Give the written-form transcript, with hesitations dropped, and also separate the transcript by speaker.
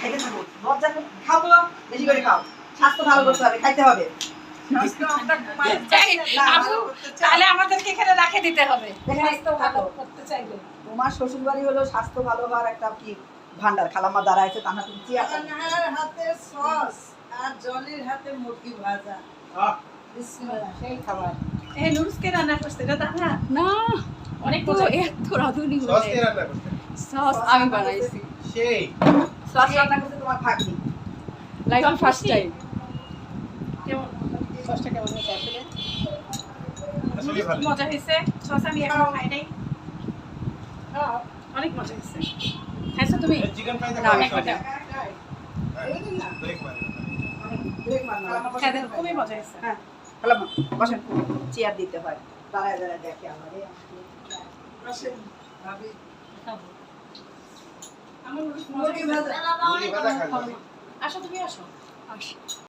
Speaker 1: খাইতে থাকো লজ্জা খাও তো বেশি করে খাও স্বাস্থ্য ভালো করতে হবে খাইতে হবে
Speaker 2: তাহলে আমাদেরকে এখানে রাখে দিতে হবে স্বাস্থ্য ভালো করতে চাইলে।
Speaker 1: তোমার শ্বশুর বাড়ি হলো স্বাস্থ্য ভালো হওয়ার একটা কি ভান্ডার খালাম্মা দাঁড়াইছে তাহা তুমি চেয়ার
Speaker 3: হাতে সস আর জলের হাতে মুরগি ভাজা বিসমিল্লাহ
Speaker 1: সেই খাবার
Speaker 2: এই নুরুসকে রান্না করতে এটা দাদা
Speaker 4: না
Speaker 2: অনেক
Speaker 4: তো
Speaker 2: মজা
Speaker 4: এত রাঁধুনি
Speaker 5: সস
Speaker 4: হলে
Speaker 5: কে রান্না করতে
Speaker 4: সস আমি বানাইছি
Speaker 5: সেই
Speaker 1: সস রান্না করতে তোমার ভাগ্নি
Speaker 4: লাইক ফার্স্ট টাইম
Speaker 2: কেমন সসটা কেমন হয়েছে আসলে
Speaker 5: আসলে ভালো
Speaker 2: মজা হয়েছে সস আমি এখনো খাই নাই অনেক মজা হয়েছে খাইছো তুমি
Speaker 5: চিকেন ফ্রাই
Speaker 4: না, আমি
Speaker 5: খাওয়া
Speaker 4: খাই না।
Speaker 5: ব্রেক মারে
Speaker 1: ব্রেক মারনা
Speaker 2: খাই দেখো, খুবই মজা হয়েছে
Speaker 1: হ্যাঁ খালাম্মা বসেন চেয়ার দিতে হয় দাঁড়ায় দাঁড়ায় দেখে আমারে
Speaker 3: আসেন ভাবি
Speaker 2: আমার মজা
Speaker 3: মুরগি
Speaker 2: হয়েছে।
Speaker 3: ভাজা
Speaker 5: মুরগি ভাজা খাবে
Speaker 2: আসো তুমি আসো
Speaker 4: আসি